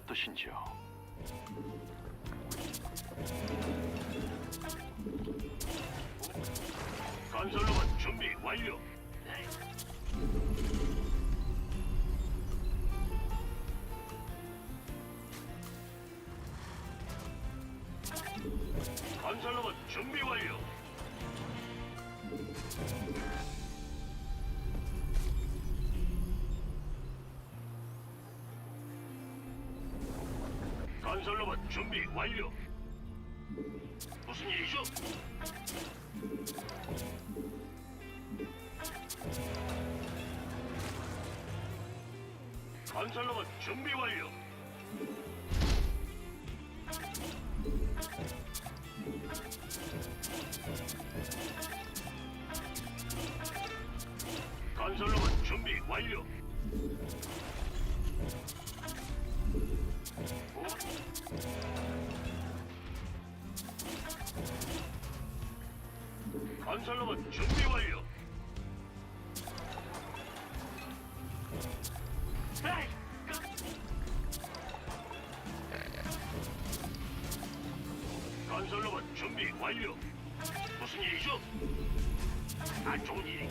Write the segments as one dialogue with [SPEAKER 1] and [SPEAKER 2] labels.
[SPEAKER 1] 뜻인지요?
[SPEAKER 2] 건설로봇 준비 완료. 네. 건설로봇 준비 완료. 건설로봇 준비 완료. 무슨 일이죠? 건설로봇 준비 완료. 건설로봇 준비 완료. 건설로봇 준비 완료. 에이, 건설로봇 준비 완료. 무슨 일이죠? 안 좋은 일이.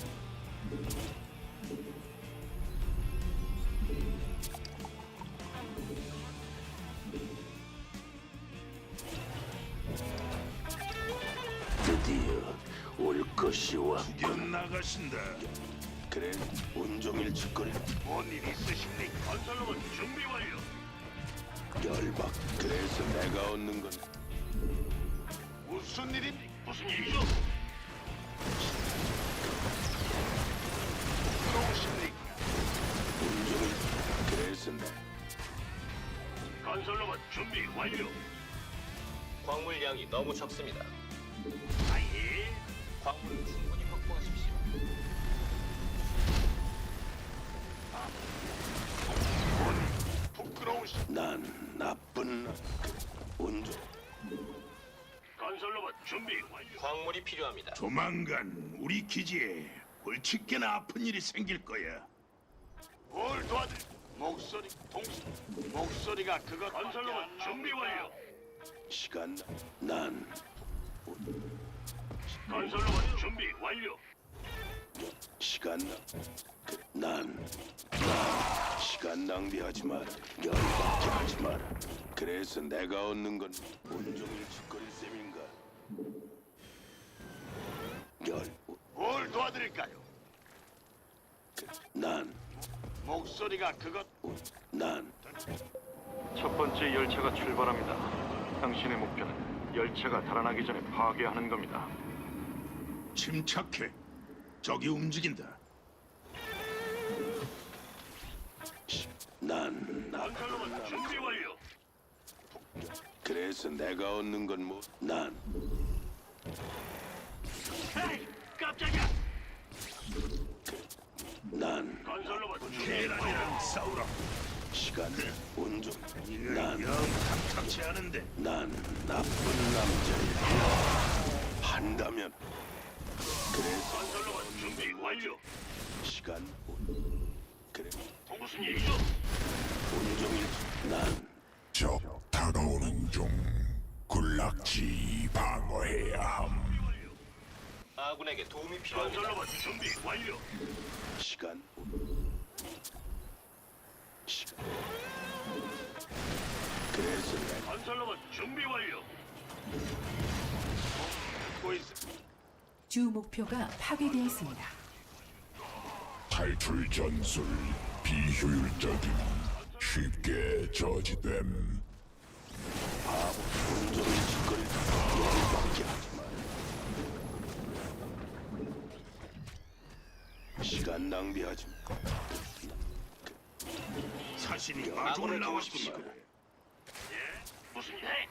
[SPEAKER 3] 드디어 올 것이 왔.
[SPEAKER 4] 구경 나가신다.
[SPEAKER 3] 그래, 온종일 짓거리.
[SPEAKER 2] 뭔 일 있으십니까? 건설로봇 준비 완료.
[SPEAKER 3] 열박. 그래서 내가 얻는 건
[SPEAKER 2] 무슨 일입니까? 무슨 일이죠? 들어오십니까?
[SPEAKER 3] 온종일. 그래서 내
[SPEAKER 2] 건설로봇 준비 완료.
[SPEAKER 5] 광물량이 너무 적습니다.
[SPEAKER 2] 아예.
[SPEAKER 5] 광물을 충분히 확보하십시오.
[SPEAKER 2] 부끄러우시.
[SPEAKER 3] 난 나쁜 나. 온종.
[SPEAKER 2] 건설로봇 준비 완료.
[SPEAKER 5] 광물이 필요합니다.
[SPEAKER 4] 조만간 우리 기지에 골칫게나 아픈 일이 생길 거야.
[SPEAKER 2] 뭘 도와줄? 목소리 동시. 목소리가 그것. 건설로봇 준비 완료.
[SPEAKER 3] 시간. 난
[SPEAKER 2] 건설로봇 준비 완료.
[SPEAKER 3] 시간. 난 시간 낭비하지 마라. 열받게 하지 마라. 그래서 내가 얻는 건 온종일 짓거릴 셈인가?
[SPEAKER 2] 뭘 도와드릴까요?
[SPEAKER 3] 난
[SPEAKER 2] 목소리가 그것.
[SPEAKER 3] 난
[SPEAKER 1] 첫 번째 열차가 출발합니다. 당신의 목표는 열차가 달아나기 전에 파괴하는 겁니다.
[SPEAKER 4] 침착해. 적이 움직인다.
[SPEAKER 3] 난
[SPEAKER 2] 건설로봇 준비 완료.
[SPEAKER 3] 그래서 내가 얻는 건 뭐? 난
[SPEAKER 2] 에이, 깜짝이야.
[SPEAKER 3] 난
[SPEAKER 2] 건설로봇 준비 완료.
[SPEAKER 4] 계란이랑 싸우라.
[SPEAKER 3] 시간 온종.
[SPEAKER 4] 이거
[SPEAKER 3] 난
[SPEAKER 4] 영 탐탁치 않은데.
[SPEAKER 3] 난 나쁜 남자야. 한다면 그래서
[SPEAKER 2] 건설로봇 준비 완료.
[SPEAKER 3] 시간 그래
[SPEAKER 2] 무슨 일이죠?
[SPEAKER 3] 온종일 난
[SPEAKER 6] 적 다가오는 중 군락지 방어해야 함.
[SPEAKER 5] 아군에게 도움이 필요합니다.
[SPEAKER 2] 건설로봇 준비 완료.
[SPEAKER 3] 시간 시간 그래서 내가
[SPEAKER 2] 건설로봇 준비 완료. 듣고 있.
[SPEAKER 7] 주 목표가 파괴되었습니다.
[SPEAKER 6] 탈출 전술 비효율적임. 쉽게 저지됨.
[SPEAKER 3] 온종일 짓거리 열받게 하지 마. 시간 낭비하지 마.
[SPEAKER 4] 사신이
[SPEAKER 5] 아군을
[SPEAKER 4] 마중을
[SPEAKER 5] 도우십시오.
[SPEAKER 4] 나왔구만.
[SPEAKER 2] 예? 무슨 일?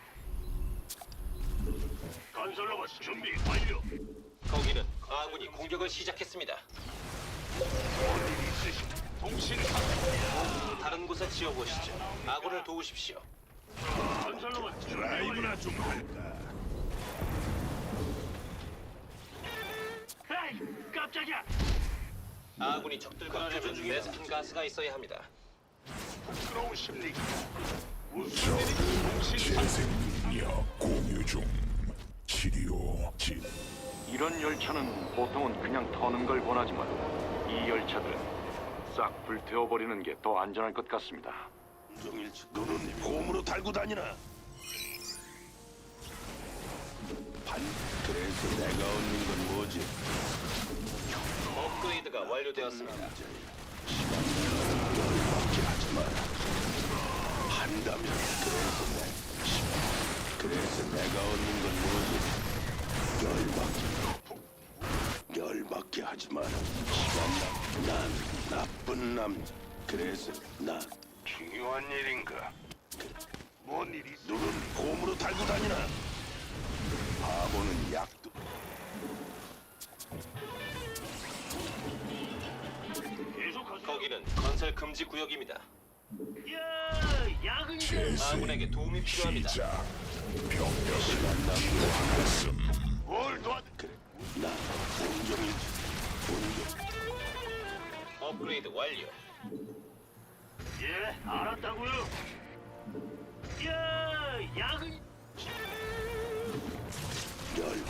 [SPEAKER 2] 건설로봇 준비 완료.
[SPEAKER 5] 거기는 아군이 공격을 시작했습니다.
[SPEAKER 2] 뭔일 있으십니까? 동신
[SPEAKER 5] 다른 곳에 지어보시죠. 아군을 도우십시오.
[SPEAKER 2] 건설로봇 준비 완료.
[SPEAKER 4] 라이브나 좀 할까?
[SPEAKER 2] 에이, 깜짝이야.
[SPEAKER 5] 아군이 적들과 교전 중에 베스킨 가스가 있어야 합니다.
[SPEAKER 2] 부끄러우십니까?
[SPEAKER 6] 재생 능력 공유 중. 치료 진.
[SPEAKER 1] 이런 열차는 보통은 그냥 터는 걸 권하지만 이 열차들은 싹 불태워버리는 게 더 안전할 것 같습니다.
[SPEAKER 3] 온종일 너는 봄으로 달고 다니나? 그래서 내가 얻는 건 뭐지?
[SPEAKER 5] 업그레이드가 완료되었습니다.
[SPEAKER 3] 열받게 하지 마라. 한다면 그래서 내가 얻는 건 뭐지? 열받게 하지 마라. 난 나쁜 남자. 그래서 나 중요한 일인가? 뭔 일이? 너는 봄으로 달고 다니나? 바보는 약도.
[SPEAKER 2] 계속하세요.
[SPEAKER 5] 거기는 건설 금지 구역입니다.
[SPEAKER 2] 야, 야근
[SPEAKER 6] 재생
[SPEAKER 5] 아군에게 도움이 필요합니다.
[SPEAKER 6] 시작. 병력을 필요하겠음.
[SPEAKER 2] 뭘 도와드?
[SPEAKER 3] 그래. 나 온종일
[SPEAKER 5] 업그레이드 완료.
[SPEAKER 2] 예, 알았다고요. 야, 야근
[SPEAKER 3] 열.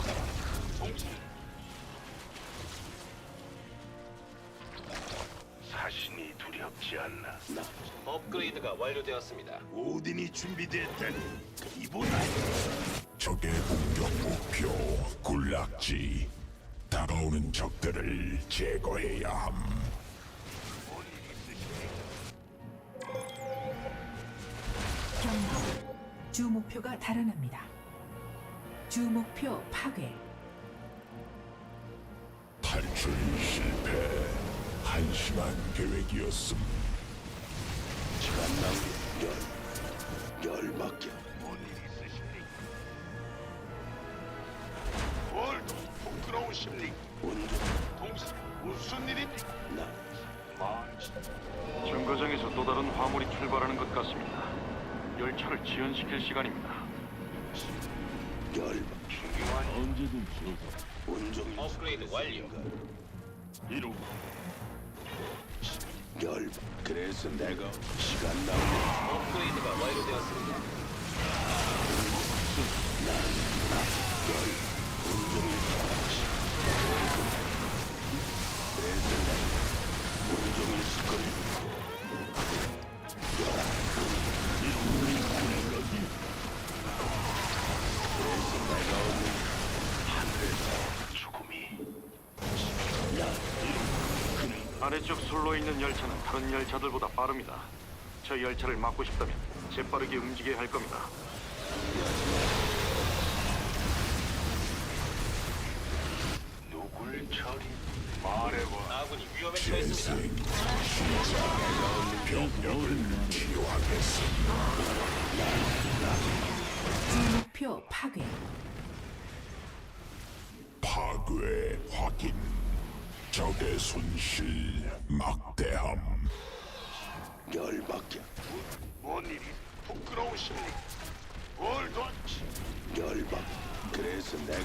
[SPEAKER 3] 사신이 두렵지 않나? 나
[SPEAKER 5] 업그레이드가 완료되었습니다.
[SPEAKER 4] 오딘이 준비됐다니 이보다
[SPEAKER 6] 적의 공격 목표 군락지. 다가오는 적들을 제거해야 함.
[SPEAKER 7] 경고. 주 목표가 달아납니다. 주 목표 파괴.
[SPEAKER 6] 탈출 실패. 한심한 계획이었음.
[SPEAKER 3] 시간 낭비. 열받게.
[SPEAKER 2] 뭔 일 있으십니까? 뭘 부끄러우십니까?
[SPEAKER 3] 온종
[SPEAKER 2] 동시 무슨 일입니까?
[SPEAKER 3] 나
[SPEAKER 1] 정거장에서 또 다른 화물이 출발하는 것 같습니다. 열차를 지연시킬 시간입니다.
[SPEAKER 3] 열받.
[SPEAKER 2] 언제든
[SPEAKER 3] 온종일
[SPEAKER 5] 업그레이드 완료.
[SPEAKER 2] 이루
[SPEAKER 3] 열받. 그래서 내가 시간 낭비.
[SPEAKER 5] 업그레이드가 완료되었습니다.
[SPEAKER 3] 온종일 그래서 내가 온종일 시끌. 그래서 내가 얻는 하늘에서 죽음이.
[SPEAKER 1] 아래쪽 선로에 있는 열차는 다른 열차들보다 빠릅니다. 저 열차를 막고 싶다면 재빠르게 움직여야 할 겁니다.
[SPEAKER 3] 누굴 처리? 말해봐.
[SPEAKER 5] 아군이 위험에 처했습니다.
[SPEAKER 6] 재생 시작. 병력을 치료하겠음.
[SPEAKER 7] 주 목표 파괴.
[SPEAKER 6] 파괴 확인. 적의 손실 막대함.
[SPEAKER 3] 열받게.
[SPEAKER 2] 뭔 일이 부끄러우십니까? 뭘 도와주시?
[SPEAKER 3] 열받. 그래서 내가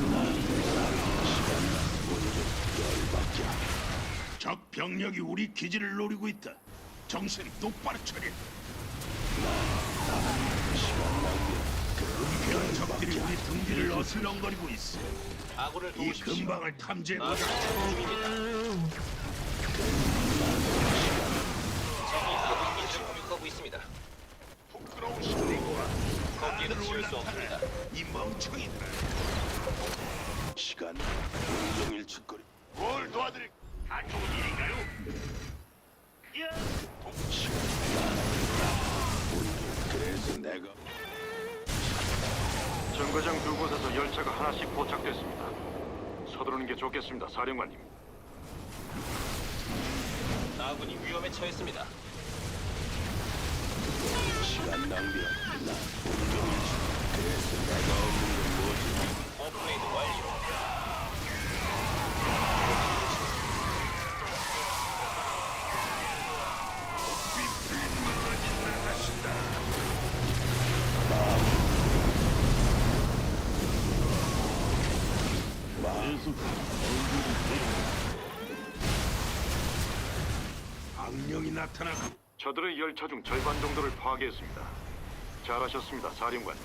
[SPEAKER 3] 시간 온종 열받게.
[SPEAKER 4] 적 병력이 우리 기지를 노리고 있다. 정신 똑바로 차려.
[SPEAKER 3] 시간 낭비.
[SPEAKER 4] 은폐한 적들이 우리 등 뒤를 어슬렁거리고 있어.
[SPEAKER 5] 아군을
[SPEAKER 4] 이
[SPEAKER 5] 도우십시오.
[SPEAKER 4] 근방을 탐지해보자.
[SPEAKER 5] 아군 착륙 중입니다. 적이 아군 기지를 공격하고 있습니다.
[SPEAKER 2] 부끄러우십니까?
[SPEAKER 5] 거기에는 지을 수 없습니다.
[SPEAKER 4] 이 멍청이들.
[SPEAKER 3] 시간 온종일 짓거리.
[SPEAKER 2] 뭘 도와드릴? 안 좋은 일인가요? 야,
[SPEAKER 3] 온종. 그래서 내가
[SPEAKER 1] 정거장 두 곳에서 열차가 하나씩 도착됐습니다. 서두르는 게 좋겠습니다, 사령관님.
[SPEAKER 5] 아군이 위험에 처했습니다.
[SPEAKER 3] 시간 낭비야. 나 온종일 그래서 내가 얻는 건 뭐지?
[SPEAKER 5] 업그레이드 완료.
[SPEAKER 4] 악령이 나타나고
[SPEAKER 1] 저들의 열차 중 절반 정도를 파괴했습니다. 잘하셨습니다, 사령관님.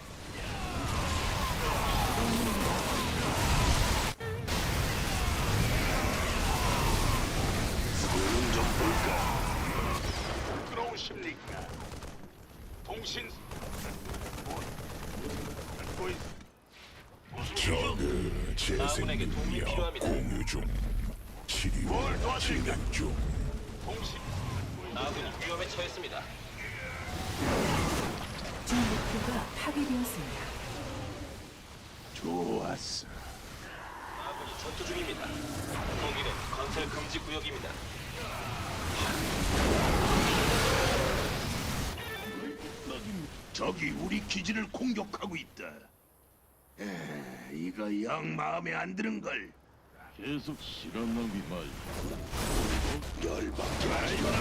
[SPEAKER 4] 손은 좀 볼까? 부끄러우십니까? 동신 듣고 있...
[SPEAKER 6] 적의 재생
[SPEAKER 5] 아군에게 도움이
[SPEAKER 6] 능력
[SPEAKER 5] 필요합니다.
[SPEAKER 6] 공유 중. 치료
[SPEAKER 4] 뭘 도와드릴까?
[SPEAKER 6] 진행 중.
[SPEAKER 4] 동신
[SPEAKER 5] 아군이 위험에 처했습니다.
[SPEAKER 7] 주 목표가 파괴되었습니다.
[SPEAKER 4] 좋았어.
[SPEAKER 5] 아군이 전투 중입니다. 거기는 건설 금지 구역입니다.
[SPEAKER 4] 적이 우리 기지를 공격하고 있다. 이거 영 마음에 안 드는 걸.
[SPEAKER 3] 계속 시간 낭비 말고.
[SPEAKER 4] 열받게 말거나.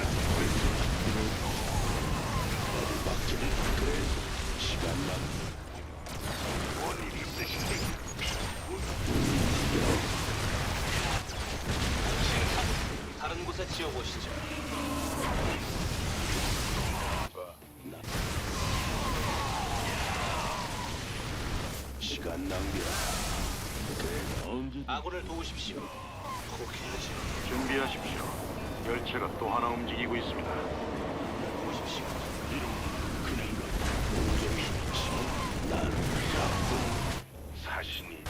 [SPEAKER 3] 열받기는 그래서 시간 낭비.
[SPEAKER 4] 뭔일 있으신데?
[SPEAKER 5] 다른 곳에 지어보시죠.
[SPEAKER 3] 시간 낭비야. 언제
[SPEAKER 5] 아군을 도우십시오. 포기하지
[SPEAKER 1] 준비하십시오. 열차가 또 하나 움직이고 있습니다.
[SPEAKER 5] 도우십시오.
[SPEAKER 3] 그냥 가. 온종일 난 나쁜
[SPEAKER 4] 사신이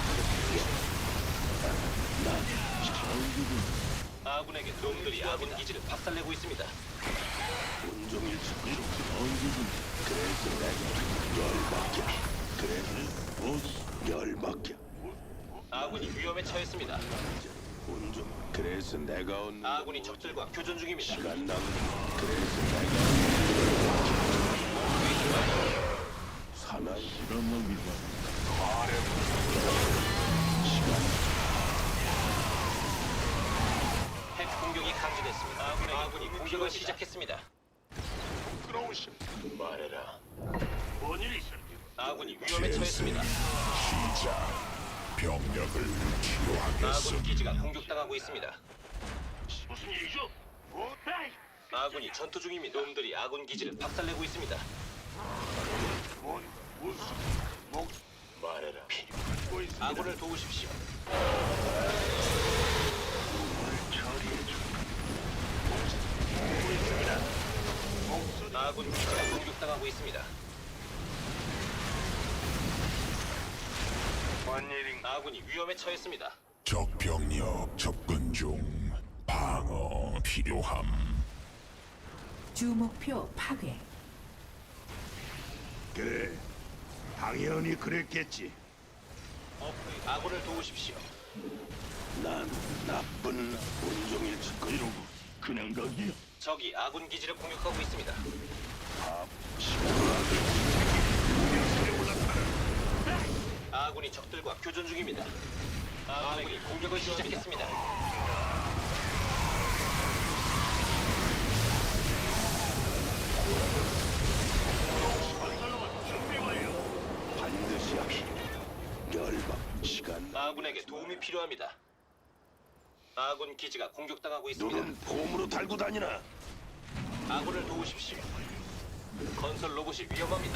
[SPEAKER 3] 장기군
[SPEAKER 5] 아군에게 놈들이 아군 기지를 박살내고 있습니다.
[SPEAKER 3] 온종일 이렇게 언제든 그래서 내가 열받게. 그래서 열받게.
[SPEAKER 5] 아군이 위험에 처했습니다.
[SPEAKER 3] 온종 그래서 내가 얻는
[SPEAKER 5] 아군이 적들과 교전 중입니다.
[SPEAKER 3] 시간 낭비. 그래서 내가 사나이 시간 낭비다.
[SPEAKER 5] 핵 공격이 감지됐습니다. 아군이 공격을 시작했습니다.
[SPEAKER 4] 부끄러우십.
[SPEAKER 2] 말해라.
[SPEAKER 4] 뭔일 있어?
[SPEAKER 5] 아군이 위험에 처했습니다.
[SPEAKER 6] 시작. 병력을 치료하겠음.
[SPEAKER 5] 아군 기지가 공격당하고 있습니다.
[SPEAKER 2] 무슨 일이죠?
[SPEAKER 5] 아군이 전투 중입니다. 놈들이 아군 기지를 박살내고 있습니다.
[SPEAKER 4] 무슨 목
[SPEAKER 2] 말해라.
[SPEAKER 4] 듣고 있습니다.
[SPEAKER 5] 아군을 도우십시오. 아군 기지가 공격당하고 있습니다. 아군이 위험에 처했습니다.
[SPEAKER 6] 적 병력 접근 중. 방어 필요함.
[SPEAKER 7] 주 목표 파괴.
[SPEAKER 4] 그래. 당연히 그랬겠지.
[SPEAKER 5] 아군을 도우십시오.
[SPEAKER 3] 난 나쁜 온종일 짓고 이러고 그냥 가기야.
[SPEAKER 5] 적이 아군 기지를 공격하고 있습니다. 아군이 적들과 교전 중입니다. 아군이 공격을 시작했습니다.
[SPEAKER 3] 반드시 합시다. 열받 시간
[SPEAKER 5] 아군에게 도움이 필요합니다. 아군 기지가 공격당하고 있습니다.
[SPEAKER 3] 눈은 폼으로 달고 다니나.
[SPEAKER 5] 아군을 도우십시오. 건설 로봇이 위험합니다.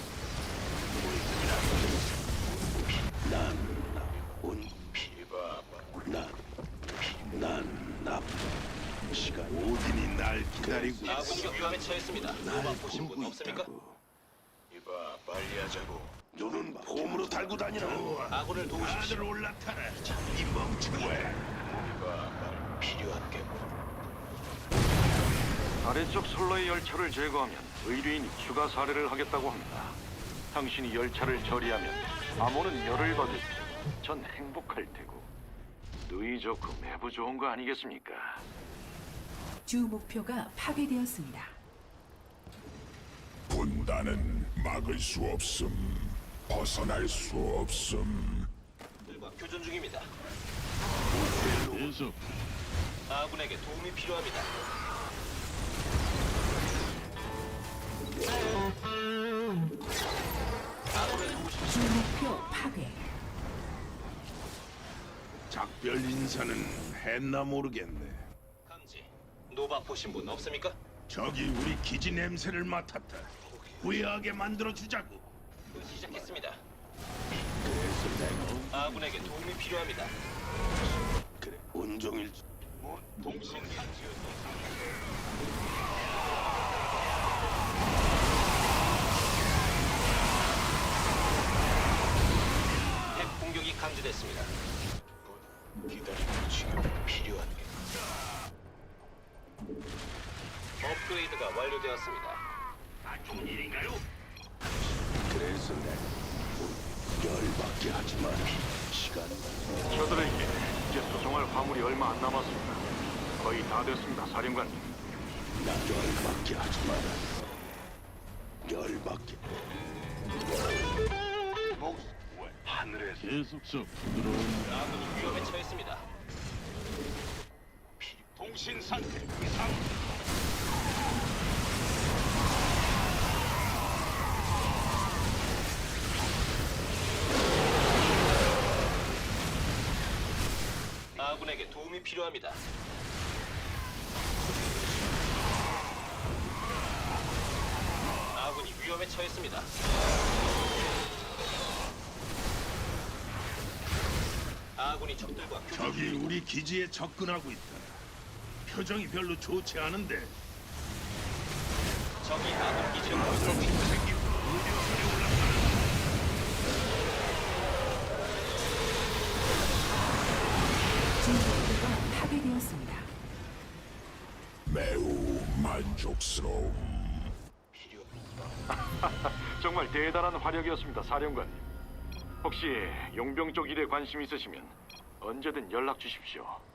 [SPEAKER 3] 난 나쁜 시간
[SPEAKER 4] 오딘이 날 기다리고
[SPEAKER 5] 아군이 위험에 처했습니다. 노바 보신 분 없습니까?
[SPEAKER 2] 이봐, 빨리 하자고.
[SPEAKER 3] 눈은 폼으로 달고 다니나.
[SPEAKER 5] 아군을 도우십시오.
[SPEAKER 4] 다들 올라타라. 이 멍청아.
[SPEAKER 2] 이봐, 말 필요한 게 뭐?
[SPEAKER 1] 아래쪽 선로의 열차를 제거하면 의뢰인이 추가 사례를 하겠다고 합니다. 당신이 열차를 처리하면 암호는 열을 받을 테고 전 행복할 테고 누이 좋고 매부 좋은 거 아니겠습니까?
[SPEAKER 7] 주 목표가 파괴되었습니다.
[SPEAKER 6] 분단은 막을 수 없음. 벗어날 수 없음.
[SPEAKER 5] 들과 교전 중입니다.
[SPEAKER 3] 계속
[SPEAKER 5] 아군에게 도움이 필요합니다. 아군을 도우십시오.
[SPEAKER 7] 주 목표 파괴.
[SPEAKER 4] 작별 인사는 했나 모르겠네.
[SPEAKER 5] 감지. 노바 보신 분 없습니까?
[SPEAKER 4] 저기 우리 기지 냄새를 맡았다. 후회하게 만들어 주자고.
[SPEAKER 5] 시작했습니다.
[SPEAKER 3] 그래서 내가
[SPEAKER 5] 아군에게 도움이 필요합니다.
[SPEAKER 3] 그래 온종일
[SPEAKER 5] 핵 공격이 감지됐습니다.
[SPEAKER 3] 기다리는 지금 필요한 게
[SPEAKER 5] 업그레이드가 완료되었습니다.
[SPEAKER 2] 안 좋은 일인가요?
[SPEAKER 3] 그래서 내가 열받게 하지 마라. 시간은
[SPEAKER 1] 저들에게 이제 소송할 화물이 얼마 안 남았습니다. 거의 다 됐습니다, 사령관님.
[SPEAKER 3] 나 열받게 하지 마라. 열받게.
[SPEAKER 2] 하늘에서
[SPEAKER 4] 계속서
[SPEAKER 5] 아군이 위험에 처했습니다.
[SPEAKER 2] 통신 상태 이상.
[SPEAKER 5] 아군에게 도움이 필요합니다. 아군이 위험에 처했습니다. 아군이 적들과
[SPEAKER 4] 적이 우리 기지에 접근하고 있다. 표정이 별로 좋지 않은데
[SPEAKER 5] 적이 아군 기지를 공격하고
[SPEAKER 4] 적이
[SPEAKER 5] 있습니다.
[SPEAKER 4] 생기고 의료선에 올라가는
[SPEAKER 7] 주 목표가 파괴되었습니다.
[SPEAKER 6] 매우 만족스러움.
[SPEAKER 1] 정말 대단한 화력이었습니다, 사령관님. 혹시 용병 쪽 일에 관심 있으시면 언제든 연락 주십시오.